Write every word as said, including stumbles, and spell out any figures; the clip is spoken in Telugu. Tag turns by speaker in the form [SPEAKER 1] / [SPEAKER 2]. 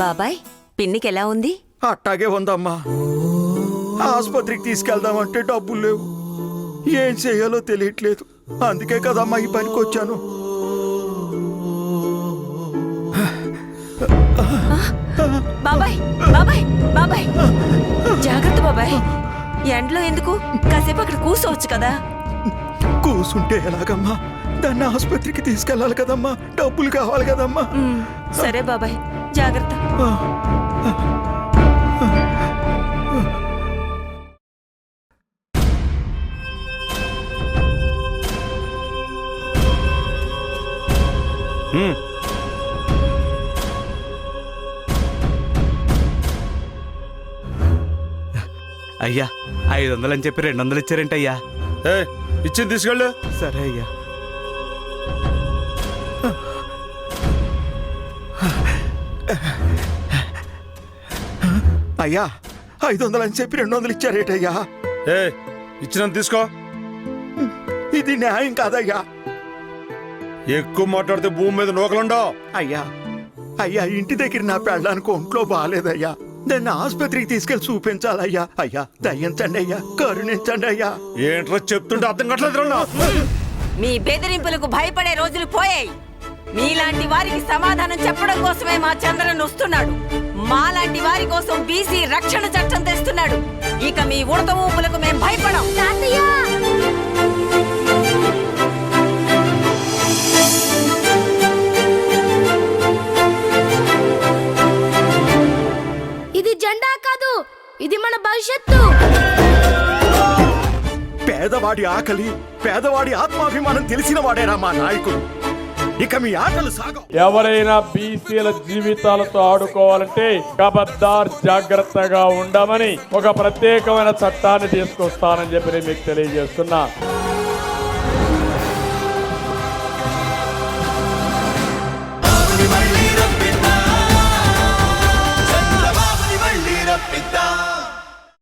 [SPEAKER 1] బాబాయ్, పిన్నికి ఎలా ఉంది?
[SPEAKER 2] అట్టాగే ఉందమ్మా. ఆసుపత్రికి తీసుకెళ్దామంటే డబ్బులు లేవు, ఏం చేయాలో తెలియట్లేదు. అందుకే కదమ్మా ఈ పనికి వచ్చాను.
[SPEAKER 1] బాబాయ్ బాబాయ్ బాబాయ్ జాగ్రత్త బాబాయ్. ఎండలో ఎందుకు? కాసేపు అక్కడ కూర్చోవచ్చు కదా.
[SPEAKER 2] కూసుంటే ఎలాగమ్మా? దాన్ని ఆసుపత్రికి తీసుకెళ్ళాలి కదమ్మా, డబ్బులు కావాలి కదమ్మా.
[SPEAKER 1] సరే బాబాయ్, జాగ్రత్త.
[SPEAKER 3] అయ్యా, ఐదు వందలు అని చెప్పి రెండు వందలు ఇచ్చారేంటి అయ్యా?
[SPEAKER 2] ఇచ్చింది తీసుకెళ్ళు.
[SPEAKER 3] సరే అయ్యా.
[SPEAKER 2] అయ్యా, ఐదు వందలు అని చెప్పి రెండు వందలు ఇచ్చారేటయ్యా?
[SPEAKER 4] ఏ ఇచ్చినంత తీసుకో.
[SPEAKER 2] ఇది న్యాయం కాదయ్యా.
[SPEAKER 4] ఎక్కువ మాట్లాడితే భూమి మీద నూకలుండవు.
[SPEAKER 2] అయ్యా అయ్యా ఇంటి దగ్గర నా పెళ్ళడానికి ఒంట్లో బాగాలేదయ్యా, దాన్ని ఆసుపత్రికి తీసుకెళ్లి చూపించాలయ్యా. అయ్యా దయించండి అయ్యా, కరుణించండి అయ్యా.
[SPEAKER 4] ఏంట్రా చెప్తుంటే అర్థం కావట్లేదు.
[SPEAKER 1] మీ బెదిరింపులకు భయపడే రోజులు పోయాయి. మీలాంటి వారికి సమాధానం చెప్పడం కోసమే మా చంద్రన్ వస్తున్నాడు. మాలాంటి వారి కోసం బీసీ రక్షణ చట్టం తెస్తున్నాడు. ఇక మీ ఉడత ఊపులకు మేం భయపడం.
[SPEAKER 5] ఇది జెండా కాదు, ఇది మన భవిష్యత్తు.
[SPEAKER 2] పేదవాడి ఆకలి, పేదవాడి ఆత్మాభిమానం తెలిసిన వాడేరా మా నాయకుడు. ఇక మీ ఆటలు సాగవు.
[SPEAKER 6] ఎవరైనా బీసీల జీవితాలతో ఆడుకోవాలంటే ఖబర్దార్, జాగ్రత్తగా ఉండమని ఒక ప్రత్యేకమైన చట్టాన్ని తీసుకొస్తానని చెప్పి మీకు తెలియజేస్తున్నా.